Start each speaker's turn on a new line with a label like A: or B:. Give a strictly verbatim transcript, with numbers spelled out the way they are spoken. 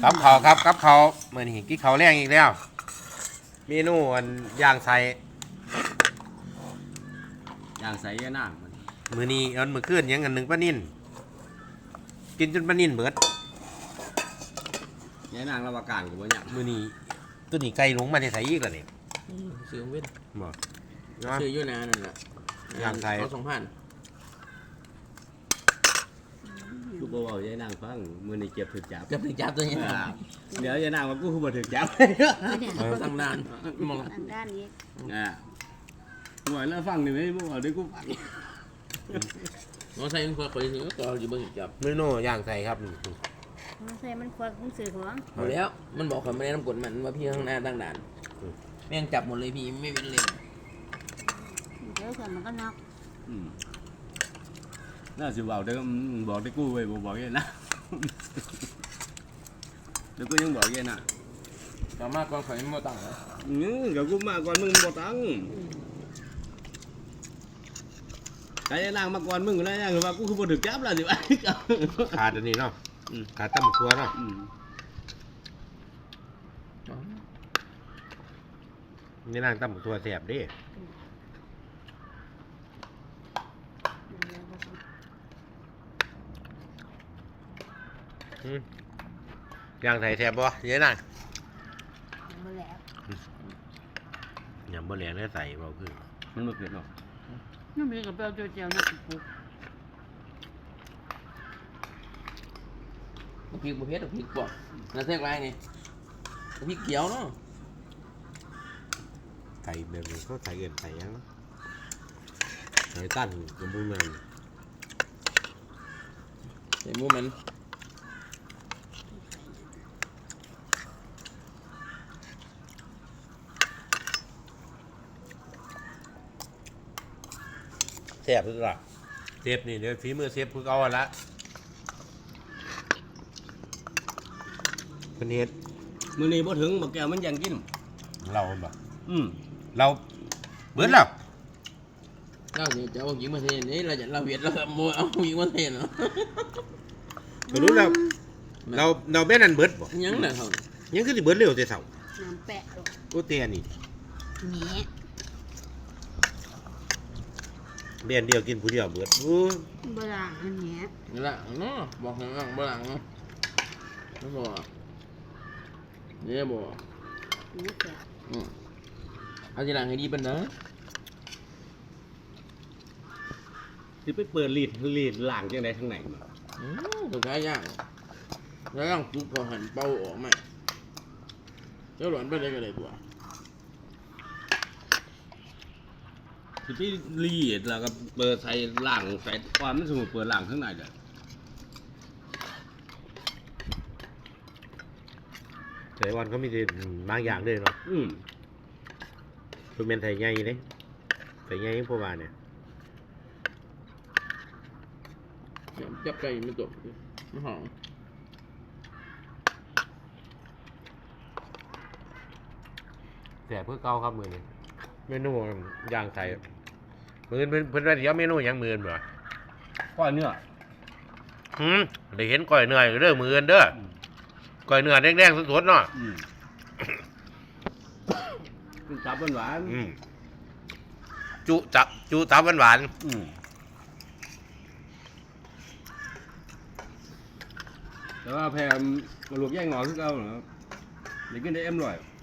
A: กับเขาครับกับเขาเมื่อนี้กินเขาแรงอีกแล้วเมนูอันย่างใส่
B: อย่างใส่ยานั่งมัน
A: มือนี้อันมือขึ้นยังอันหนึ่งป้านิ่นกินจนป้านิ่นเบิด
B: ยานั่งระวการกับบ่ยัง
A: มือนี้ตัวนี้ไก่ลงมาในใส่อีกแล้วนี่
C: ซื้อเว้น
A: บ่
C: ซื้ออยู่นานนั่นแหละ
A: ย่างไทย
C: เขาสองพัน
B: กูบอกว่ายานั่งฟังมือนี่เก็บถึกจับ
C: จะไปจับตัวนี้
B: อ่าเดี๋ยวยานั่งว่ากูคือบ่ถึกจับ
C: ตั้งนานมอง
D: อันด้านนี้
B: อ่าหน่วยแล้วฟังนี่ไหมบ่บอกได้กูฟัง
C: น้องใส่คนคอยซื้อก็อยู่เบิ่งจับ
A: เมนูย่างใส่ครับ
D: มันใส่มันควักมันสื่อของ
C: หมดแล้วมันบอกเขาไม่ได้น้ำกดมันว่าพี่ข้างหน้าตั้งด่านแม่งจับหมดเลยพี่ไม่เป็นเลย
D: เดี๋ยวก่อนมันก็น็อก
B: อืมน่าสิบอกได้บอกได้กูไว้บ่บอกยานะแล้วกูยังบอกยานะ
C: สามารถกองข่อยไม่ตั้งเลย
B: อืมเดี๋ยวกูมาก่อนมึงบ่ตังใครจะนั่งมาก่อนมึงแล้วยังว่ากูคือบ่ถึกจับแล้วสิวะ
A: ขาดอันนี้เนาะ
B: อืม
A: ขาดตั้มตัวเนาะ
B: อืม
A: นี่นั่งตั้มตัวแสบดิอืมย่างใส่แสบบ่เยอะนั่ง
D: มาแล้ว
A: ยำบะเหลียงได้ใส่เบาขึ้น
B: มันบ่เกิดเนาะ
D: นี่มีกับเปลาเจียวๆนี่ปุ๊บ
C: พริกประเภทพริกปอกน่าแทรกไรนี่พริกเขียวเนาะ
A: ใส่แบบนี้เขาใส่เกินใส่ยังเนาะใส่ตั้นกับบุ้งมัน
C: ใส่หมูมัน
A: แสบคือละเซฟนี่เดี๋ยวฝีมือเซฟคือเอาละเป็นเฮ็ด
B: มื้อนี้บ่ถึงบักแก้วมันยังกิน
A: เราบ่
B: อืม
A: เราเบิดแล้ว
C: เราจะเอาหญิงมาเทนนี่เราจะเราเวียดเราโมเอาหญิงมาเทนเนาะ
A: ก็รู้แล้วเราเราแม่นั่นเบิดบ่
C: ยังน่ะเขา
A: ยังคือสิเบิดเร็วแต่เช้า
D: น้ำแปะลง
A: โอ้เตียนี่
D: แหน
A: เรียนเดียวกินผู้เดียวเบิดโอ้
D: บลางอันเนี้ย
C: หลังเนาะบอกหลังบ่หลังเนาะไม่บอกเนี่ยบอก
D: นี่แกะ
C: อืมเอาทีหลังให้ดีเป็นนะ
B: สิไปเปิดลีดลีดล่างจังได๋ทางไหนมา
C: อืมตัวท้ายย่างแล้วย่างจุกพอหันเป่าออกมาเจ้าหลวนไปได้ก็ได้ตัว
B: สิไปลีดแล้วก็เปิดใส่ล่างใส่ความมันสมมุติเปิดล่างข้างในเด้อ
A: แต่วันเขามีแต่บางอย่างด้วยเนาะ
B: อืม
A: คือเป็นไทยใหญ่เด้ไทยใหญ่พวกว่าเนี่ย
C: จับไก่ไม่จบไม่หอม
A: แต่เพื่อเก่าครับมือนี่เมนูย่างใส่มือเพิ่นเพิ่นว่าเดี๋ยวเมนูหยังมือบ่
B: ก้อนเนื้อ
A: หืมได้เห็นก้อยเนื้ออยู่เด้อมือเอิ้นเด้อก้อยเนื้อแดงๆสดๆเนาะ
B: อืมมันจับหวานๆ
A: อืมจุจับจุตับหวาน
B: อืมแต่ว่าแพรลูกแย่งหงอคือเก่าเหรอเด็กกินได้เอ็มร่อย